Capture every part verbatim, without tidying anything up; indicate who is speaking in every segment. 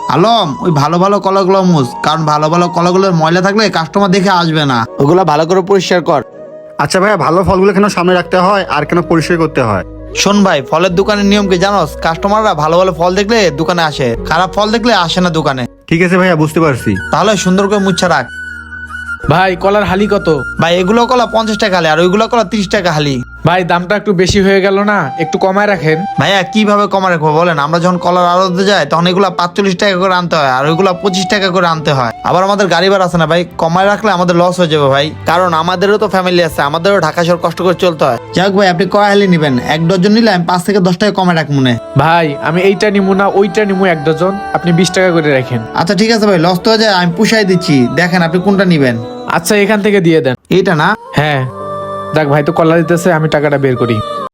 Speaker 1: আলম, ওই ভালো ভালো কলাগুলো মুছ, কারণ ভালো ভালো কলাগুলোর ময়লা থাকলে কাস্টমার দেখে আসবে না। ওগুলা ভালো করে পরিষ্কার কর।
Speaker 2: আচ্ছা ভাইয়া, ভালো ফলগুলো কেন সামনে রাখতে হয় আর কেন পরিষ্কার করতে হয়?
Speaker 1: শোন ভাই, ফলের দোকানের নিয়ম কি জানোস? কাস্টমাররা ভালো ভালো ফল দেখলে দোকানে আসে, খারাপ ফল দেখলে আসে না দোকানে।
Speaker 2: ঠিক আছে ভাইয়া, বুঝতে পারছি।
Speaker 1: তাহলে সুন্দর করে মুচ্ছা রাখ।
Speaker 3: ভাই কলার হালি কত?
Speaker 1: ভাই এগুলো কলা পঞ্চাশ টাকা হালি, আর ওইগুলো কলা তিরিশ টাকা হালি।
Speaker 3: ভাই দামটা একটু বেশি হয়ে গেল না? একটু কমায় রাখেন।
Speaker 1: ভাইয়া কিভাবে কমা রাখবো বলেন? আমরা যখন কলার আড়তে যাই তখন এগুলা পাঁচচল্লিশ টাকা করে আনতে হয়, আর ওইগুলা পঁচিশ টাকা করে আনতে হয়। আবার আমাদের গাড়ি ভাড়া আছে না ভাই, কমায় রাখলে আমাদের লস হয়ে যাবে ভাই, কারণ আমাদেরও তো ফ্যামিলি আছে, আমাদেরও ঢাকা শহর কষ্ট করে চলতে হয়। যাক ভাই, আপনি কয় হালি নিবেন? এক ডজন নিলে আমি পাঁচ থেকে দশ টাকা কমে রাখ মনে।
Speaker 3: ভাই আমি এইটা নিমু না ওইটা নিমু এক ডজন, আপনি বিশ টাকা করে রাখেন।
Speaker 1: আচ্ছা ঠিক আছে ভাই, লস তো হয়ে যায়, আমি পুষাই দিচ্ছি। দেখেন আপনি কোনটা নিবেন।
Speaker 3: আচ্ছা এখান থেকে দিয়ে দেন।
Speaker 1: এইটা না?
Speaker 3: হ্যাঁ দেখ ভাই তো কলা দিতেছে, আমি টাকাটা বের করি।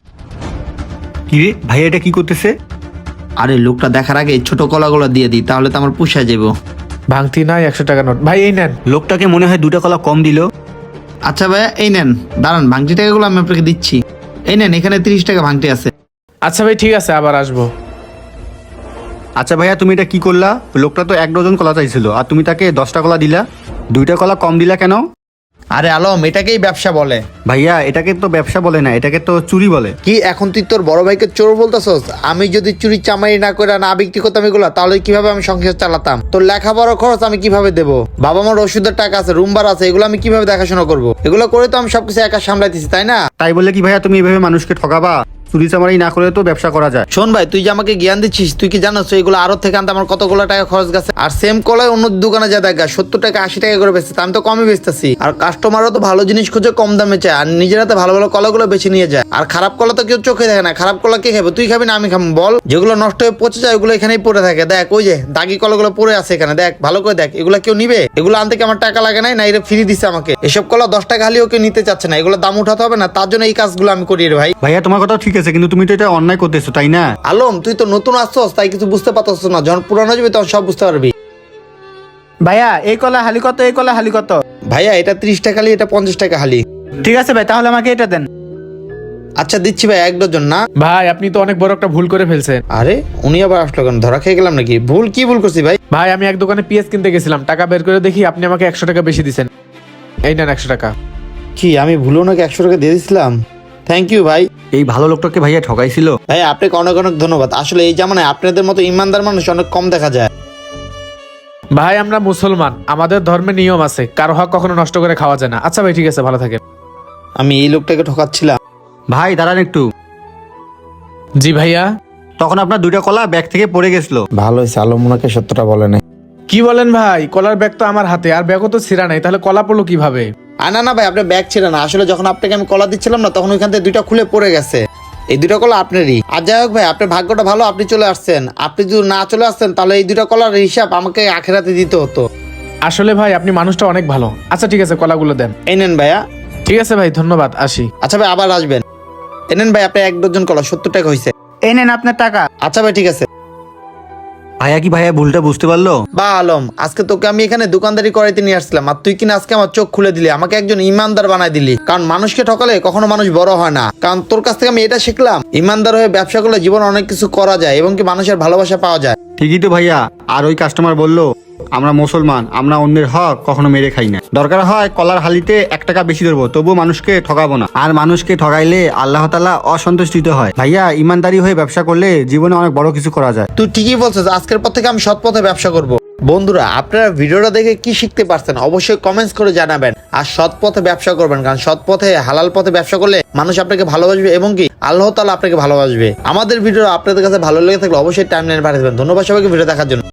Speaker 2: কি রে ভাইয়া, এটা কি করতেছে?
Speaker 1: আরে লোকটা দেখার আগে ছোট কলাগুলো দিয়ে দিই, তাহলে তো আমার পুষায় যাবো।
Speaker 3: ভাঙতি নাই, একশো টাকা নোট। ভাই এই নেন।
Speaker 2: লোকটাকে মনে হয় দুটা কলা কম দিল।
Speaker 1: আচ্ছা ভাইয়া এই নেন, দাঁড়ান ভাঙটি টাকাগুলো আমি আপনাকে দিচ্ছি। এই নেন, এখানে তিরিশ টাকা ভাঙটি আছে।
Speaker 3: আচ্ছা ভাই ঠিক আছে, আবার আসবো।
Speaker 2: আচ্ছা ভাইয়া, তুমি এটা কি করলা? লোকটা তো এক ডজন কলা চাইছিল আর তুমি তাকে দশটা কলা দিলা, দুইটা কলা কম দিলা কেন?
Speaker 1: আরে আলম, এটাকেই ব্যবসা বলে।
Speaker 2: ভাইয়া এটাকে তো ব্যবসা বলে না, এটাকে তো চুরি বলে।
Speaker 1: কি এখন তুই তোর বড় ভাইকে চোর বলতেছস? আমি যদি চুরি চামারি না করে না বিক্রি করতাম এগুলা, তাহলে কিভাবে আমি সংসার চালাতাম? তোর লেখাপড়ার খরচ আমি কিভাবে দেবো? বাবা মার ওষুধের টাকা আছে, রুম ভাড়া আছে, এগুলো আমি কিভাবে দেখাশোনা করবো? এগুলো করে তো আমি সবকিছু একা সামলাইতেছি, তাই না?
Speaker 2: তাই বলে কি ভাইয়া তুমি এভাবে মানুষকে ঠকাবা? চুরি চামারি না করে তো ব্যবসা করা যায়।
Speaker 1: শোন ভাই, তুই যে আমাকে জ্ঞান দিচ্ছিস, তুই কি জানোস এগুলো আরো থেকে আনতে আমার কতগুলো টাকা খরচ গেছে? আর সেম কলায় অন্য দোকানে যা দেখা সত্তর টাকা আশি টাকা করে বেচতে, আমি তো কমই বেচতেছি। আর কাস্টমারও তো ভালো জিনিস খুঁজে কম দামে চায়, আর নিজের হাতে ভালো ভালো কলাগুলো বেছে নিয়ে যায়। আর খারাপ কলা তো কেউ চোখে দেখে না। খারাপ কলা কে খাবে? তুই খাবি না আমি খাবো বল? যেগুলো নষ্ট হয়ে পচে যায় ওগুলো এখানেই পড়ে থাকে। দেখ ওই যে দাগি কলাগুলো পড়ে আছে এখানে, দেখ ভালো করে দেখ। এগুলো কেউ নিবে? এগুলো আনতে কি আমার টাকা লাগে নাই? না এটা ফ্রি দিচ্ছে আমাকে? এসব কলা দশ টাকা হালিও কেউ নিতে চাচ্ছে না, এগুলো দাম উঠাতে হবে না? তার জন্য এই কাজগুলো আমি করি রে ভাই।
Speaker 2: ভাইয়া তোমার কথা ঠিক আছে, কিন্তু তুমি তো এটা অন্যায় করতেছো, তাই না?
Speaker 1: আলম, তুই তো নতুন আসছস, তাই কিছু বুঝতে পারছস না। যখন পুরানো যাবে তখন সব বুঝতে পারবি।
Speaker 4: ভাইয়া এই কলা হালি কত? এই কলা হালি কত?
Speaker 1: ভাইয়া এটা ত্রিশ টাকা হালি, এটা পঞ্চাশ টাকা হালি।
Speaker 4: ঠিক আছে ভাই, তাহলে আমাকে এটা দেন।
Speaker 1: আচ্ছা দিচ্ছি ভাই, এক ডজন না?
Speaker 3: ভাই আপনি তো অনেক বড় একটা ভুল করে ফেলছেন।
Speaker 1: আরে উনি আবার আসলো কেন? ধরা খেয়ে গেলাম নাকি? ভুল কি ভুল করছি ভাই?
Speaker 3: ভাই আমি এক দোকানে পেঁয়াজ কিনতে গেছিলাম, টাকা বের করে দেখি আপনি আমাকে একশো টাকা বেশি দিচ্ছেন। এই নেন একশো টাকা।
Speaker 1: কি আমি ভুলো নাকি একশো টাকা দিয়ে দিয়েছিলাম? থ্যাংক ইউ ভাই।
Speaker 2: এই ভালো লোকটাকে ভাইয়া ঠকাইছিল।
Speaker 1: ভাই আপনাকে অনেক অনেক ধন্যবাদ। আসলে এই জামানায় আপনাদের মতো ইমানদার মানুষ অনেক কম দেখা যায়।
Speaker 3: ভাই আমরা মুসলমান, আমাদের ধর্মে নিয়ম আছে, কারো হক কখনো নষ্ট করে খাওয়া যায় না। আচ্ছা ভাই ঠিক আছে, ভালো থাকেন।
Speaker 1: আমি এই লোকটাকে ঠকাচ্ছিলাম।
Speaker 2: ভাই দাঁড়ান একটু।
Speaker 3: জি ভাইয়া।
Speaker 2: তখন আপনার দুইটা কলা ব্যাগ থেকে পড়ে গেছিল।
Speaker 1: ভালো হয়েছে আলম ওনাকে সত্যটা বলে নাই।
Speaker 3: কি বলেন ভাই? কলার ব্যাগ তো আমার হাতে, আর ব্যাগও তো ছিঁড়া নাই, তাহলে কলা পড়লো কিভাবে?
Speaker 1: আর না না ভাই, আপনার ব্যাগ ছিল না। আসলে যখন আপনাকে আমি কলা দিচ্ছিলাম না, তখন ওইখান থেকে দুইটা খুলে পড়ে গেছে। এই দুইটা কলা আপনারই। আর যাই হোক ভাই, আপনার ভাগ্যটা ভালো, আপনি চলে আসছেন। আপনি যদি না চলে আসছেন তাহলে এই দুইটা কলার হিসাব আমাকে আখেরাতে দিতে হতো।
Speaker 3: আসলে ভাই আপনি মানুষটা অনেক ভালো। আচ্ছা ঠিক আছে, কলাগুলো দেন।
Speaker 1: এই নেন ভাইয়া।
Speaker 3: ঠিক আছে ভাই, ধন্যবাদ, আসি।
Speaker 1: আচ্ছা ভাই আবার আসবেন। এই নেন ভাই, আপনার এক ডজন কলা সত্তর টাকা হয়েছে।
Speaker 4: এই নেন আপনার টাকা।
Speaker 1: আচ্ছা ভাই ঠিক আছে।
Speaker 2: ভাইয়া কি ভাইয়া ভুলটা বুঝতে পারলো?
Speaker 1: বা আলম, আজকে তোকে আমি এখানে দোকানদারি করাইতে নিয়ে আসছিলাম, আর তুই কিনা আজকে আমার চোখ খুলে দিলি, আমাকে একজন ইমানদার বানাই দিলি। কারণ মানুষকে ঠকালে কখনো মানুষ বড় হয় না। কারণ তোর কাছ থেকে আমি এটা শিখলাম, ইমানদার হয়ে ব্যবসা করলে জীবনে অনেক কিছু করা যায় এবং কি মানুষের ভালোবাসা পাওয়া যায়।
Speaker 2: ঠিকই তো ভাইয়া। আর ওই কাস্টমার বললো আমরা মুসলমান, আমরা অন্যের হক কখনো মেরে খাই না। দরকার হয় কলার হালিতে এক টাকা বেশি ধরবো, তবুও মানুষকে ঠকাবো না। আর মানুষকে ঠকাইলে আল্লাহ তাআলা অসন্তুষ্টিত হয়। ভাইয়া ইমানদারি হয়ে ব্যবসা করলে জীবনে অনেক বড় কিছু করা যায়।
Speaker 1: তুই ঠিকই বলছিস, আজকের পর থেকে আমি সৎ পথে ব্যবসা করব। বন্ধুরা আপনারা ভিডিওটা দেখে কি শিখতে পারছেন অবশ্যই কমেন্টস করে জানাবেন। আর সৎ পথে ব্যবসা করবেন, কারণ সৎ পথে হালাল পথে ব্যবসা করলে মানুষ আপনাকে ভালোবাসবে এবং কি আল্লাহ তাআলা আপনাকে ভালোবাসবে। আমাদের ভিডিও আপনাদের কাছে ভালো লেগে থাকলে অবশ্যই টাইমলাইনে পাঠিয়ে দেবেন। ধন্যবাদ সবাইকে ভিডিও দেখার জন্য।